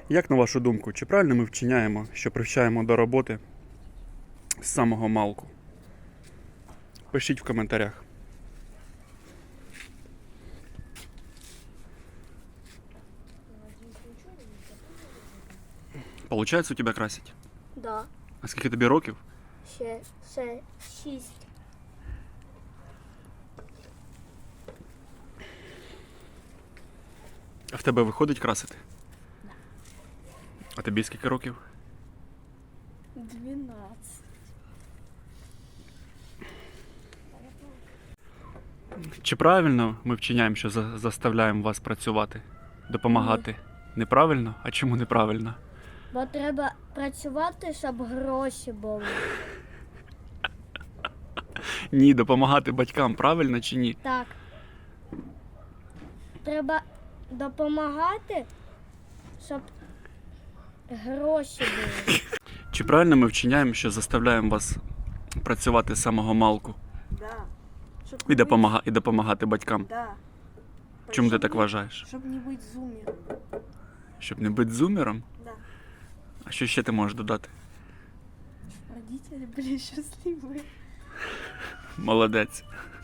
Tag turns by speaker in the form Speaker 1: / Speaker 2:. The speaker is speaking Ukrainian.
Speaker 1: Як на вашу думку, чи правильно ми вчиняємо, що привчаємо до роботи з самого малку? Пишіть в коментарях. Получається у тебе красить?
Speaker 2: Да.
Speaker 1: А скільки тобі років?
Speaker 2: Ще 6.
Speaker 1: А в тебе виходить красити? А тобі скільки років?
Speaker 2: 12.
Speaker 1: Чи правильно ми вчиняємо, що заставляємо вас працювати, допомагати? Неправильно? А чому неправильно?
Speaker 2: Бо треба працювати, щоб гроші були.
Speaker 1: Ні, допомагати батькам, правильно чи ні?
Speaker 2: Так. Треба допомагати, щоб гроші були.
Speaker 1: Чи правильно ми вчиняємо, що заставляємо вас працювати з самого малку
Speaker 3: Да. Щоб
Speaker 1: і,
Speaker 3: не
Speaker 1: і допомагати батькам?
Speaker 3: быть- Да.
Speaker 1: Чому ти
Speaker 3: Щоб
Speaker 1: так
Speaker 3: не-
Speaker 1: вважаєш?
Speaker 3: Щоб не бути зумером.
Speaker 1: Щоб не бути зумером?
Speaker 3: Да.
Speaker 1: А що ще ти можеш додати?
Speaker 3: Родители были счастливы.
Speaker 1: Молодець.